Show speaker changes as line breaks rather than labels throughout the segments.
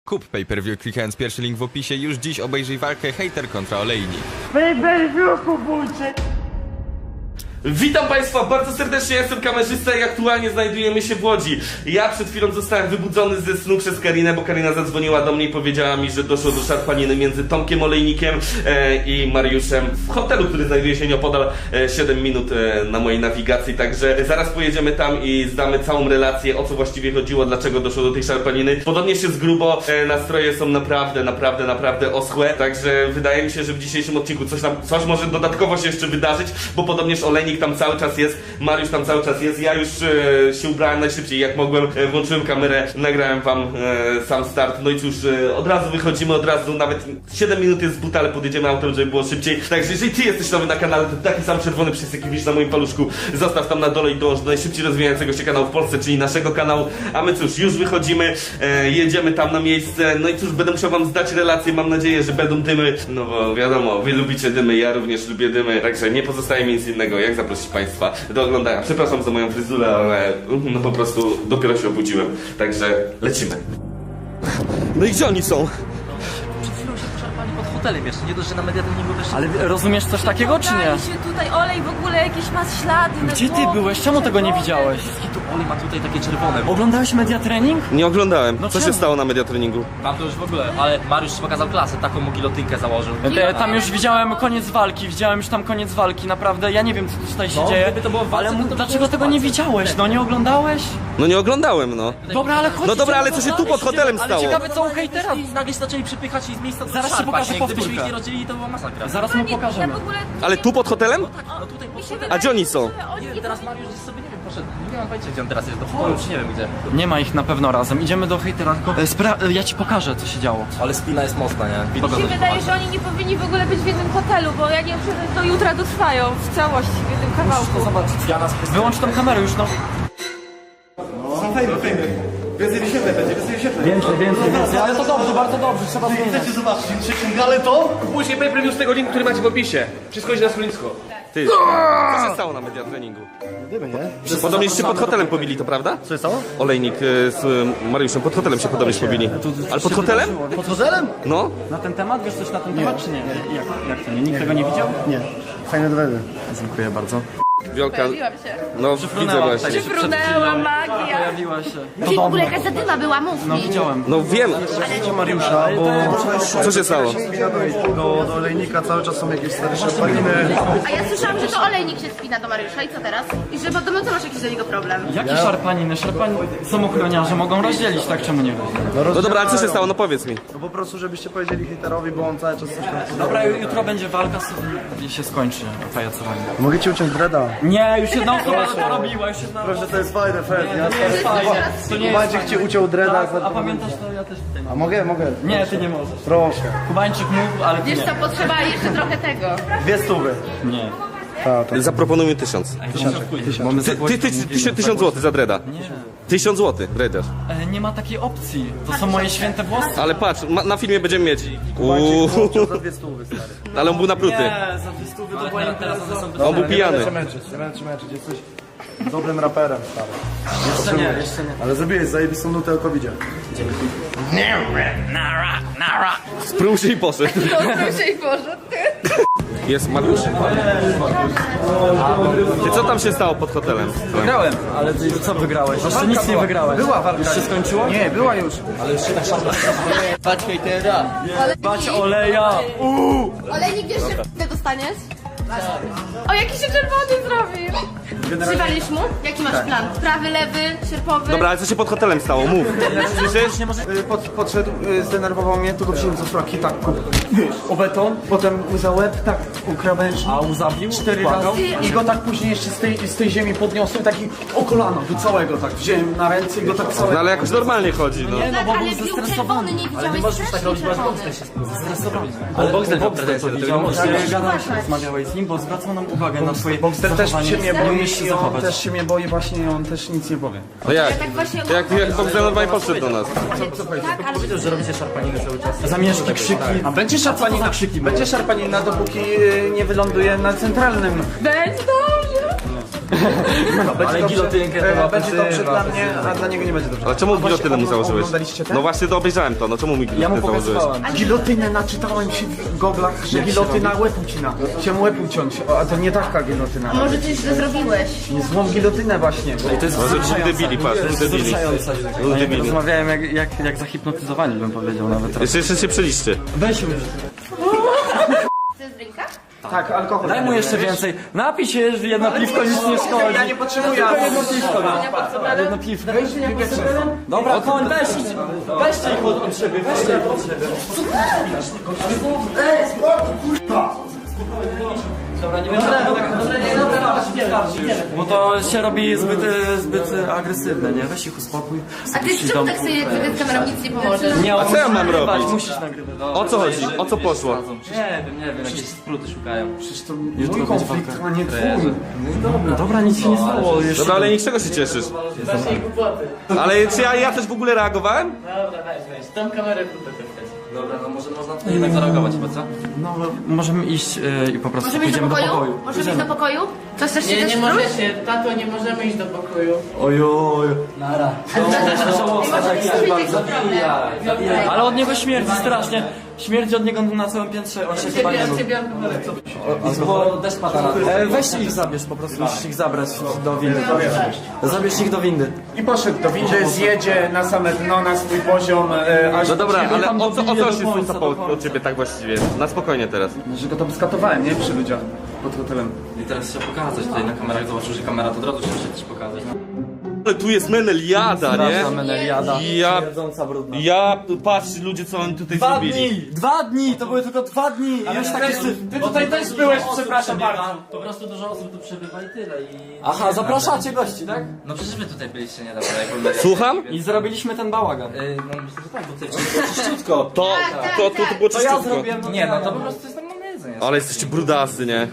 Kup pay-per-view klikając pierwszy link w opisie. Już dziś obejrzyj walkę hejter kontra olejnik.
Pay-per-view kupujcie!
Witam Państwa bardzo serdecznie, ja jestem kamerzysta i aktualnie znajdujemy się w Łodzi. Ja przed chwilą zostałem wybudzony ze snu przez Karinę, bo Karina zadzwoniła do mnie i powiedziała mi, że doszło do szarpaniny między Tomkiem Olejnikiem i Mariuszem w hotelu, który znajduje się nieopodal 7 minut na mojej nawigacji. Także zaraz pojedziemy tam i zdamy całą relację, o co właściwie chodziło, dlaczego doszło do tej szarpaniny. Podobnie się z grubo, nastroje są naprawdę oschłe, także wydaje mi się, że w dzisiejszym odcinku coś może dodatkowo się jeszcze wydarzyć, bo podobnież Olejnik tam cały czas jest, Mariusz tam cały czas jest. Ja już się ubrałem najszybciej jak mogłem, włączyłem kamerę, nagrałem wam sam start. No i cóż, od razu wychodzimy, od razu nawet 7 minut jest z buta, ale podjedziemy autem, żeby było szybciej. Także jeżeli ty jesteś nowy na kanale, to taki sam czerwony przycisk jaki widzisz na moim paluszku, zostaw tam na dole i dołącz do najszybciej rozwijającego się kanału w Polsce, czyli naszego kanału. A my cóż, już wychodzimy, jedziemy tam na miejsce. No i cóż, będę musiał wam zdać relację, mam nadzieję, że będą dymy. No bo wiadomo, wy lubicie dymy, ja również lubię dymy. Także nie pozostaje mi nic innego, jak zaprosić Państwa do oglądania. Przepraszam za moją fryzurę, ale no po prostu dopiero się obudziłem. Także lecimy. No i gdzie oni są?
Przed chwilą się poszarpali pod hotelem jeszcze, nie dość, że na mediatoniku też...
Ale rozumiesz coś takiego, czy nie?
się tutaj olej w ogóle jakieś ma ślady na
Gdzie ty
głowie,
byłeś? Czemu tego nie
czerwone.
widziałeś?
Tu olej ma tutaj takie czerwone.
Oglądałeś mediatrening?
Nie oglądałem.
No
Co się
czemu?
stało na mediatreningu?
Tam to już w ogóle, ale Mariusz pokazał klasę, taką mu gilotynkę założył.
Tam już widziałem koniec walki, naprawdę, ja nie wiem co tutaj się dzieje.
gdyby to było w walce,
ale
to by
dlaczego
było
tego
w
nie
walce.
widziałeś? No nie oglądałeś?
No nie oglądałem, no.
Dobra, ale chodź.
No dobra, ale
idziemy
co się
do
tu pod
dalej,
hotelem
idziemy.
stało?
Ale ciekawe co u hejtera.
I nagle się zaczęli przypychać i z miejsca
Zaraz ci
szarpać,
pokażę
nie? Gdybyśmy ich
powtórkę.
nie rozdzielili, to była masakra.
Zaraz mu pokażemy.
Ja w ogóle...
Ale tu pod hotelem?
No tutaj po
A gdzie oni są?
Nie wiem, teraz Mariusz gdzieś sobie, nie wiem, poszedł. Nie mam pojęcia, gdzie on teraz jest, do pokoju, czy nie wiem gdzie.
Nie ma ich na pewno razem. Idziemy do hejtera, tylko ja ci pokażę co się działo.
Ale spina jest mocna, nie?
Mi się wydaje, że oni nie powinni w ogóle być w jednym hotelu, bo ja nie wiem, czy do jutra dotrwają w całości, w jednym kawałku.
Wyłącz tą kamerę już, no. Więcej, ale to dobrze, bardzo dobrze, trzeba zmieniać.
Chcecie zobaczyć trzecią galę to?
Później pay-per-view z tego linku, który macie w opisie. Wszystko idzie na stronnictwo.
Ty, co się stało na mediatreningu?
Dymy, nie?
Podobnież się pod hotelem pobili, to prawda?
Co jest stało?
Olejnik z Mariuszem pod hotelem się podobnież pobili. Ale pod hotelem?
Pod hotelem?
No.
Na ten temat, wiesz coś na ten temat, czy nie? Jak to nie? Nikt tego nie widział?
Nie. Fajne dowody.
Dziękuję bardzo.
Wiolka,
Pojawiłam się.
no widzę właśnie.
Frunęła magia.
Pojawiła się.
Czyli w ogóle jakaś zadyma była, mów
No
mi.
widziałem.
No wiem,
Mariusza, bo
co się stało?
do olejnika cały czas są jakieś stare szarpaniny.
A ja słyszałam, że to olejnik się spina do Mariusza i co teraz? I że podobno ty masz jakiś do niego problem.
Jakie szarpaniny? Są ochroniarze, mogą rozdzielić, tak? Czemu nie?
No dobra, ale co się stało? No powiedz mi.
No po prostu, żebyście powiedzieli hejterowi, bo on cały czas coś tam...
Dobra, jutro będzie walka i się skończy pajacowanie.
Mogę ci uciąć dreada?
Nie, już jedna osoba to robiła, już jedna
Proszę, to jest fajne, Fred.
To nie jest...
Maciek ci uciął dreada.
A pamiętasz to? Ja też tutaj
A mogę?
Nie, ty nie możesz.
Proszę.
Kubańczyk mógł, ale ty
Wiesz
nie.
co, potrzeba jeszcze trochę tego.
2 stówy.
Nie.
Zaproponuj mi 1000.
Mamy
Ty 1000 zł za dreda. 1000 zł, dredziarz.
Nie ma takiej opcji. To są moje święte włosy.
Ale patrz, na filmie będziemy mieć.
Uciął za 2 stówy, stary.
Ale on był napruty.
Nie, za 200 to była
Teraz one są
On był pijany.
Nie będę cię męczyć. Jesteś dobrym raperem, stary.
Jeszcze nie.
Ale zrobiłeś zajebistą nutę o covidzie.
Sprół się i poszedł.
To się i Boże.
Jest Mariusz? Ty co tam się stało pod hotelem?
Wygrałem, ale ty co wygrałeś? Jeszcze nic nie wygrałeś.
Była walka.
Już się skończyło?
Nie, była już.
Bać oleja.
Olejnik, wiesz, że ty dostaniesz? O, jaki się czerwony zrobił! Przywalisz mu? Jaki masz plan? Prawy, lewy, sierpowy?
Dobra, ale co się pod hotelem stało? Mów. Słyszysz?
Podszedł, zdenerwował mnie, tu go wziąłem za fraki, tak, o beton, potem za łeb, tak, u krawężni.
A zabił?
4 razy i go tak później jeszcze z tej ziemi podniosłem, taki o kolano, do całego, tak, wziąłem na ręce i go tak
No
całego.
ale jakoś normalnie chodzi, no.
Tak,
bo
ale
był
był
zestresowany.
czerwony, nie widziałeś strasznie czerwony.
Ale Boxer miał pretensje do tego,
Gadałeś, rozmawiałeś z nim, bo zwracał nam uwagę na twoje
Boxer też
zachowanie.
się mnie boi
Umiesz się
i on
zachować.
też się mnie boi właśnie i on też nic nie powie.
No jak?
Tak właśnie...
Jak Bogdan normalnie podszedł do nas.
Tak, ale...
powiedział, że robicie szarpaninę cały czas.
Zamieszki, krzyki.
A będzie szarpanina, będzie szarpanina, dopóki nie wyląduje na centralnym.
Będzie dobrze!
Ale
gilotynkę to
będzie dobrze dla mnie, a dla niego nie będzie dobrze.
Ale czemu gilotynę mu założyłeś?
Oglądaliście ten?
No właśnie to obejrzałem to, no czemu mi
Ja mu
gilotynę założyłeś?
pokazywałem.
Gilotynę naczytałem się w goglach, że gilotyna łeb ucina. Chciałem łeb uciąć, a to nie taka gilotyna.
Może coś źle zrobiłeś.
Nie złą gilotynę właśnie.
To jest
Może dwóch debili, patrz, dwóch debili.
wzruszająca.
Dwóch debili.
Rozmawiałem jak zahipnotyzowani, bym powiedział nawet.
Jeszcze się przeliczcie.
Weź już.
Chcesz drinka?
Tak, alkohol.
Daj mu jeszcze więcej. Napij się, jedno piwko nic nie szkodzi.
Ja nie potrzebuję.
Jedno piwko, no. Jedno piwko. Dobra, koń, weźcie ich od siebie, weźcie ich od siebie. Dobra, nie będę bo to się robi zbyt agresywne, nie? Weź ich uspokój.
A ty czemu tak sobie z kamerą nic nie pomożesz?
Nie,
A co ja mam robić?
Musisz nagrywać.
O co chodzi? O co poszło?
Nie wiem, jakieś spluty szukają.
Przecież to mój konflikt, a nie twój.
Dobra, nic się nie stało. Jeszcze
Dobra, ale niczego się cieszysz. Ale czy ja też w ogóle reagowałem?
Tam kamerę Dobra, no może można tutaj jednak zareagować chyba, co?
No, możemy iść i po prostu
Możemy iść do
pójdziemy do
pokoju?
pokoju.
Możemy iść do pokoju? To chcesz się
Nie,
też
nie
wróć?
możecie, tato, nie możemy iść do pokoju.
Ojoj.
Ale możemy iść do bardzo.
Ale od niego śmierdzi strasznie. Śmierdzi od niego na całym piętrze. On się chyba nie lubi.
Bo deszcz pada na to.
Weź ich zabierz, po prostu musisz ich zabrać do windy. Zabierz ich do windy.
I poszedł do windy, zjedzie na same dno, na swój poziom, aż...
No dobra, ale
tam
o co
dobije do
się
końca,
stało
do
od
końca.
ciebie tak właściwie? Na spokojnie teraz.
Że go tam skatowałem, nie? Przy ludziach pod hotelem.
I teraz się pokazać tutaj na kamerach, zobaczył, że kamera to od razu się też pokazać.
Ale tu jest meneliada, nie?
Meneliada.
Ja,
Śmierdząca, brudna.
patrz ludzie co oni tutaj
2
zrobili.
dni! 2 dni! To były tylko 2 dni! I już takie syf.
Ty tutaj też byłeś, przepraszam bardzo.
Po prostu dużo osób tu przebywa i tyle i...
Aha, zapraszacie gości, tak?
No przecież wy tutaj byliście niedawno, jak byłem...
Słucham?
I zrobiliśmy ten bałagan.
No myślę, że tak, bo tutaj było czyściutko.
To było
To ja
czyściutko.
zrobiłem.
Nie, no to po prostu jest normalne jedzenie.
Ale jesteście brudasy, nie?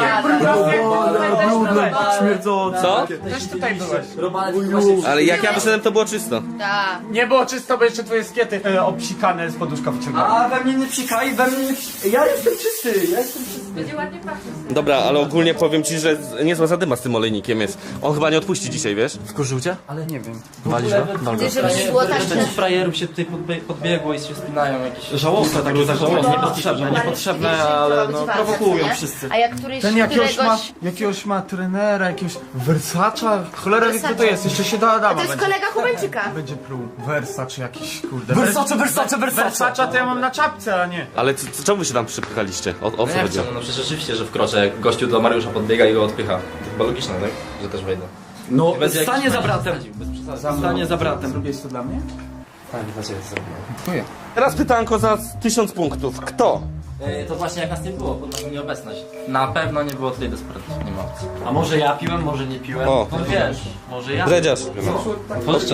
Śmierdzące.
Co?
Też tutaj byłeś.
Ale jak ja wyszedłem to było czysto.
Tak.
Nie było czysto, bo jeszcze twoje skiety obsikane z poduszka wyciągałem.
A we mnie nie psikaj, we mnie nie psikaj. Ja jestem czysty, ja jestem czysty.
Będzie ładnie pachnieć.
Dobra, ale ogólnie powiem ci, że niezła zadyma z tym olejnikiem jest. On chyba nie odpuści dzisiaj, wiesz?
Wkurzył cię?
Ale nie wiem.
Walisz go? Wal go.
Żeby nie było tak, że...
Część frajerów się tutaj podbiegło i się spinają jakieś...
Żałosne takie zachowanie, niepotrzebne, niepotrzebne, ale no prowokują wszyscy.
A jak któryś,
Ten jakiegoś ma trenera, jakiegoś Versacza? Cholera wie kto to jest, jeszcze się do Adama
To jest
będzie.
kolega Hubeńczyka.
Będzie pluł. Versace jakiś, kurde.
Versace!
Versacza to ja mam na czapce, a nie.
Ale czemu wy się tam przypychaliście? O co
Jak
chodziło?
chcą? No przecież oczywiście, że wkroczę, jak gościu do Mariusza podbiega i go odpycha. To chyba logiczne, tak? Że też wejdę.
No,
Bez jakichś
stanie za
nacisków
bratem.
wsadził, bez przesady.
Stanie za bratem.
Zrobiłeś to dla mnie?
Tak, dla ciebie zrobiłem.
Teraz pytanko za 1000 punktów. Kto?
To właśnie jak nas nie było, pod naszą nieobecność. Na pewno nie było tutaj desperatów, nie ma opcji.
A może ja piłem, może nie piłem?
O.
No wiesz, może ja.
Dredziarz.
Otworzyć.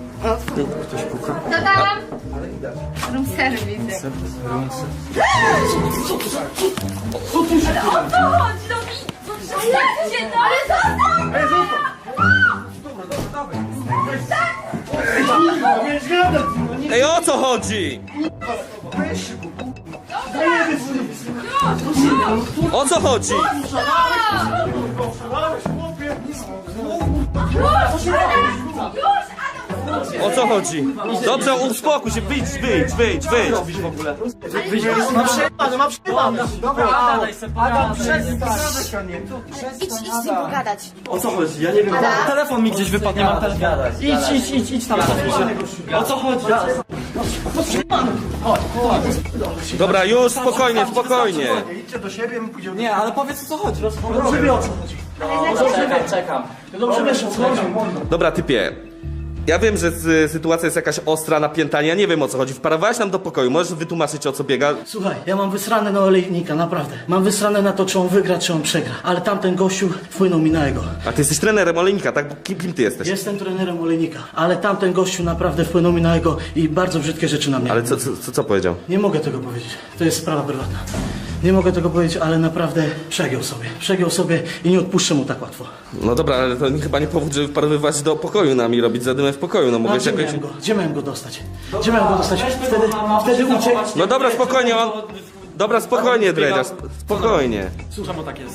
Co tam? Room service. Ale o co chodzi? No zostawcie to! Ale
Ej, o co chodzi? O co chodzi? O co chodzi? Dobrze, uspokój się, wyjdź.
Ma przejebane.
Pogadaj se, pogadaj.
idź z nim pogadać.
O co chodzi? Ja nie wiem. Telefon mi gdzieś wypadł, nie mam telefonu. Idź tam. O co chodzi?
Dobra, już spokojnie.
Idźcie do siebie, my pójdziemy.
Nie, ale powiedz o co chodzi.
Czekam.
Dobrze wiesz o co chodzi.
Dobra, typie. Ja wiem, że sytuacja jest jakaś ostra, napięta, ja nie wiem o co chodzi. Wparowałeś nam do pokoju, możesz wytłumaczyć o co biega?
Słuchaj, ja mam wysrane na olejnika, naprawdę. Mam wysrane na to, czy on wygra, czy on przegra. Ale tamten gościu wpłynął mi na jego.
A ty jesteś trenerem olejnika, tak? Kim ty jesteś?
Jestem trenerem olejnika, ale tamten gościu naprawdę wpłynął mi na jego i bardzo brzydkie rzeczy na mnie.
Ale co powiedział?
Nie mogę tego powiedzieć. To jest sprawa prywatna. Nie mogę tego powiedzieć, ale naprawdę przegiął sobie i nie odpuszczę mu tak łatwo.
No dobra, ale to chyba nie powód, żeby wparowywać do pokoju nami, robić zadymę w pokoju, no
A
mogłeś
gdzie
jakoś...
miałem go? Gdzie miałem go dostać? Wtedy uciekł.
No dobra, spokojnie, Dobra, spokojnie, Dredziarz, spokojnie.
Czemu tak jest?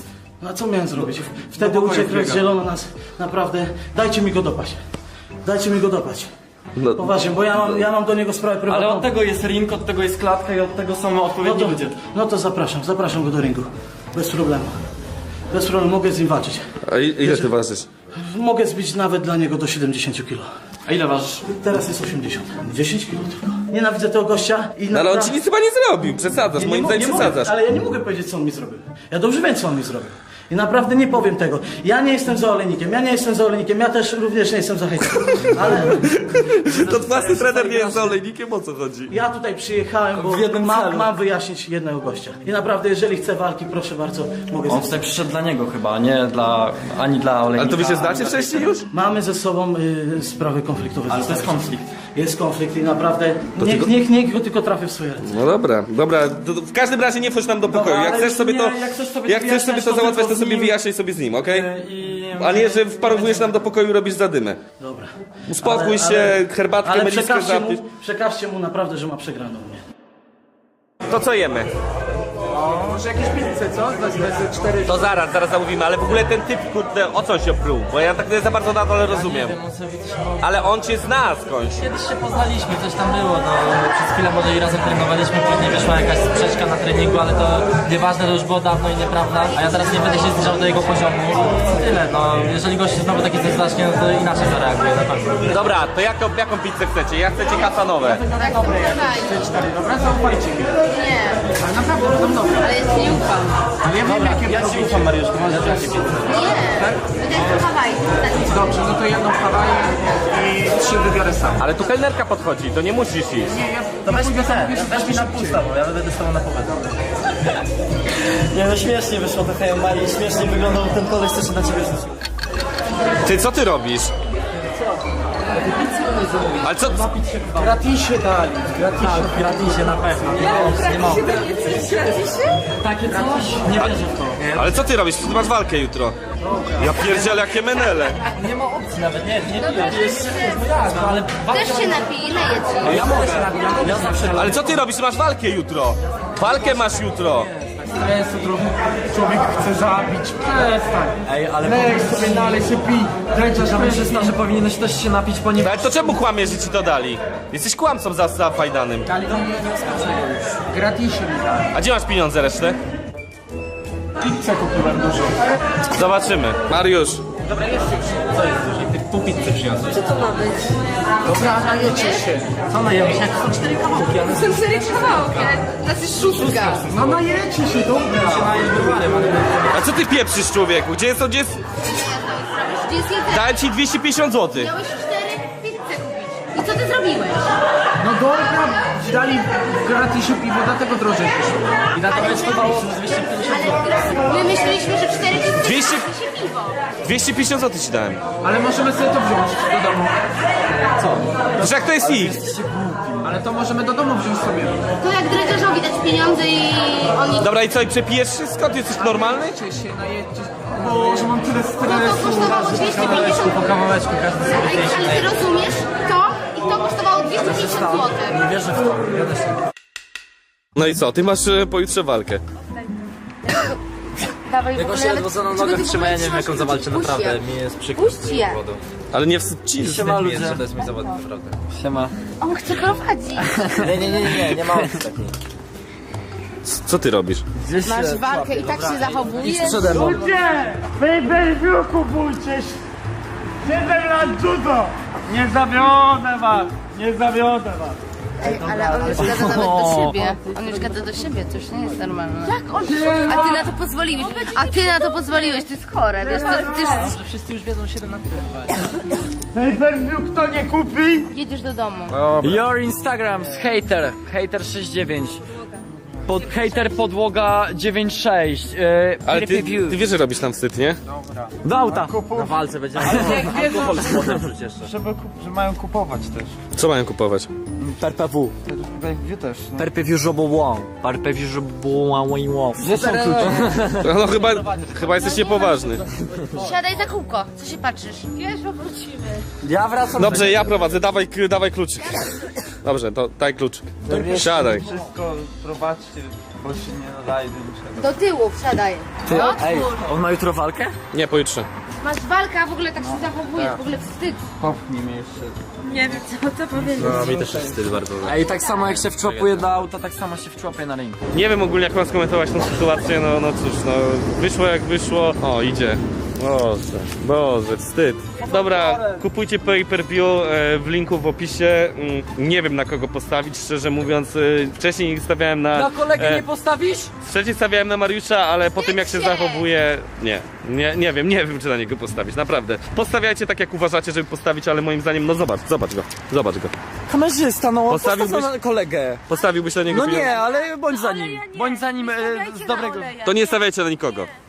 No a co miałem zrobić? Wtedy uciekł, rozdzielono nas. Naprawdę. Dajcie mi go dopaść. Dajcie mi go dopaść.
No.
Poważnie, bo ja mam do niego sprawę prywatną.
Ale od tego jest ring, od tego jest klatka i od tego są odpowiedni ludzie.
No to zapraszam go do ringu. Bez problemu. Bez problemu, mogę z nim walczyć.
A ile ty ważysz?
Mogę zbić nawet dla niego do 70 kg.
A ile ważysz?
Teraz jest 80. 10 kg tylko. Nienawidzę tego gościa i
No ale on ci nic chyba nie zrobił, przesadzasz,
Nie
moim
mo-
zdaniem
nie
przesadzasz.
mogę, ale ja nie mogę powiedzieć, co on mi zrobił. Ja dobrze wiem, co on mi zrobił. I naprawdę nie powiem tego. Ja nie jestem za olejnikiem, ja też również nie jestem za hejterem. Ale
To własny trener nie jest za olejnikiem, o co chodzi?
ja tutaj przyjechałem, bo
W jednym celu.
mam wyjaśnić jednego gościa. I naprawdę, jeżeli chce walki, proszę bardzo, mogę
On
z
tutaj przyszedł dla niego chyba, nie dla... ani dla olejnika.
Ale to wy się znacie wcześniej już?
Mamy ze sobą sprawy konfliktowe.
Ale to jest konflikt.
Jest konflikt i naprawdę niech go tylko trafię w swoje ręce.
No dobra, w każdym razie nie wchodź nam do pokoju.
Dobra,
Jak
ale
chcesz sobie
nie,
to,
jak chcesz sobie
jak chcesz sobie
wyjaśniać,
to
to
załatwiać,
tylko
to
z
sobie
nim.
wyjaśnij sobie z nim, okej?
I...
A nie, że wparowujesz nam do pokoju i robisz zadymę.
Dobra.
Uspokój się, herbatkę,
ale
meliskę zapisz.
przekażcie mu naprawdę, że ma przegraną mnie.
To co jemy?
Może jakieś pizzę, co? Za 4.
To zaraz zamówimy, ale w ogóle ten typ, kurde, o co się pruł? Bo ja tak nie za bardzo na dole rozumiem.
Nie wiem, on sobie coś robi.
Ale on cię zna skądś.
Kiedyś się poznaliśmy, coś tam było, no przez chwilę może i razem trenowaliśmy, później wyszła jakaś sprzeczka na treningu, ale to nieważne, to już było dawno i nieprawda, a ja teraz nie będę się zbliżał do jego poziomu. Tyle, no jeżeli gość znowu taki coś zacznie, no to inaczej zareaguje na pewno.
Dobra, to jaką pizzę chcecie? Ja chcecie kasanowe.
Tak, dawaj.
4, dobra? Zaufajcie mi.
Nie,
Ale naprawdę będą dobre.
ale jest nie ufam.
Ale ja wiem, jakie
Ja ci ufam, Mariuszku, możesz dać pizzę.
Nie, to jest Hawaj.
Dobrze, no to jedną Hawaję i 3 wybiorę sam.
Ale tu kelnerka podchodzi, to nie musisz iść.
Nie, ja
To weź
pójdę
mi
sam,
weź mi na pół z tobą, ja będę z tobą na połowę. Nie no śmiesznie wyszło to hej Marii, śmiesznie wyglądał ten koleś, co się na ciebie rzucił.
Ty, co ty robisz? Ale co?
gratisie dali.
Tak, gratisie na pewno. Nie mogę. Takie coś? Nie wierzę w to.
Ale co ty robisz? Ty masz walkę jutro. Ja pierdzielę, jakie menele.
Nie ma opcji nawet, nie
Dobra,
no, ale
też się napij, najedź.
ja mogę się nabijać. Ja zawsze
Ale co ty robisz? Masz walkę jutro. Walkę masz jutro.
Człowiek chce zabić. Przestań.
Ej, ale
Lej sobie, dalej się pij. Dręcza, żeby
kamerzysta, że powinieneś też się napić, ponieważ...
Ale to czemu kłamiesz, że ci to dali? Jesteś kłamcą zafajdanym.
gratisie mi dali.
A gdzie masz pieniądze resztę?
Pizzę kupiłem dużo.
Zobaczymy. Mariusz.
Pół pizzy przyniosłeś.
Dobra, najecie się.
Co najemy się? To są 4 kawałki, ale...
Są 4 kawałki, nas jest 6.
No najecie się, dobra.
A co ty pieprzysz, człowieku? Gdzie jest?
Gdzie jest jeden?
Dałem ci 250 zł.
Miałeś 4 pizze kupić. I co ty zrobiłeś?
No dobra, dali w gratisie piwo, dlatego drożej wyszło.
I na to kosztowało 250 zł.
Ale my myśleliśmy, że 4 pizze
200
się piwo.
250 zł ci dałem.
Ale możemy sobie to wziąć do domu.
Wiesz jak to jest ich?
Ale to możemy do domu wziąć sobie.
To jak dredziarzowi dać pieniądze i oni...
Dobra i co, i przepijesz wszystko? Ty jesteś normalny?
Najecie się, najecie. Boże, mam tyle
No
stresu.
to kosztowało 250
Po kawałeczku każdy sobie
Ale ty rozumiesz? To i to kosztowało 250 zł.
Nie wierzę w to. Ja też nie.
No i co, ty masz pojutrze walkę.
Dawaj,
Jakoś się ledwo za nogę trzyma, ja nie wiem jak on zawalczy, naprawdę. Mi jest przykro.
Puść je.
Ale nie wstydź ci.
Siema
Mi jest,
ludzie.
że to jest mój zawód, naprawdę.
Siema.
On chce prowadzić.
Nie ma opcji takiej.
Co ty robisz?
Gdzieś
Masz walkę i tak się zachowujesz.
przede mną.
Pay-per-view kupujcie. 7 lat judo. Nie zawiodę was. Nie zawiodę was.
Ej, ale on już gada nawet do siebie. On już gada do siebie, to już nie jest normalne. Jak on? A ty na to pozwoliłeś. To jest chore, wiesz, ty już
Wszyscy już wiedzą 7 na tyle.
Pay-per-view kto nie kupi?
jedziesz do domu.
Your Instagram hater, hater69. Hater podłoga 96.
Ale ty wiesz, że robisz nam wstyd, nie?
Do auta. Na walce będzie. Alkohol z potem wrzuć jeszcze.
Że mają kupować też.
Co mają kupować?
PRPW.
Pay-per-view też.
PRPW żobołą. PRPW żobołą. Gdzie są klucze?
No chyba jesteś niepoważny.
Siadaj za kółko, co się patrzysz? Wiesz, bo wrócimy.
Ja wracam.
Dobrze, ja prowadzę, dawaj kluczyk. Dobrze, to daj kluczyk. Siadaj.
Wszystko prowadźcie, bo się nie nadaje do niczego.
Do tyłu, wsiadaj.
Ej,
Otwórz.
on ma jutro walkę?
Nie, pojutrze.
Masz walkę, a w ogóle tak się zachowujesz, w ogóle wstyd.
Popchnij mnie jeszcze.
Nie wiem, co powiedzieć.
No, mi też jest wstyd bardzo.
Ej, tak samo jak się wczłapuje do auta, tak samo się wczłapuje na ring.
Nie wiem ogólnie jak mam skomentować tą sytuację, no cóż, no wyszło jak wyszło. O, idzie. Boże, wstyd. Dobra, kupujcie pay-per-view w linku w opisie. Nie wiem na kogo postawić, szczerze mówiąc. Wcześniej stawiałem na...
kolegę nie postawisz?
Wcześniej stawiałem na Mariusza, ale po tym jak się zachowuje... Nie wiem czy na niego postawić, naprawdę. Postawiajcie tak jak uważacie, żeby postawić, ale moim zdaniem, no zobacz go.
Kamerzysta, no
Postawiłbyś-
postaw na kolegę.
Postawiłbyś na niego
No
pieniądze?
nie, ale bądź za nim. Bądź za nim z dobrego...
To nie stawiajcie na nikogo.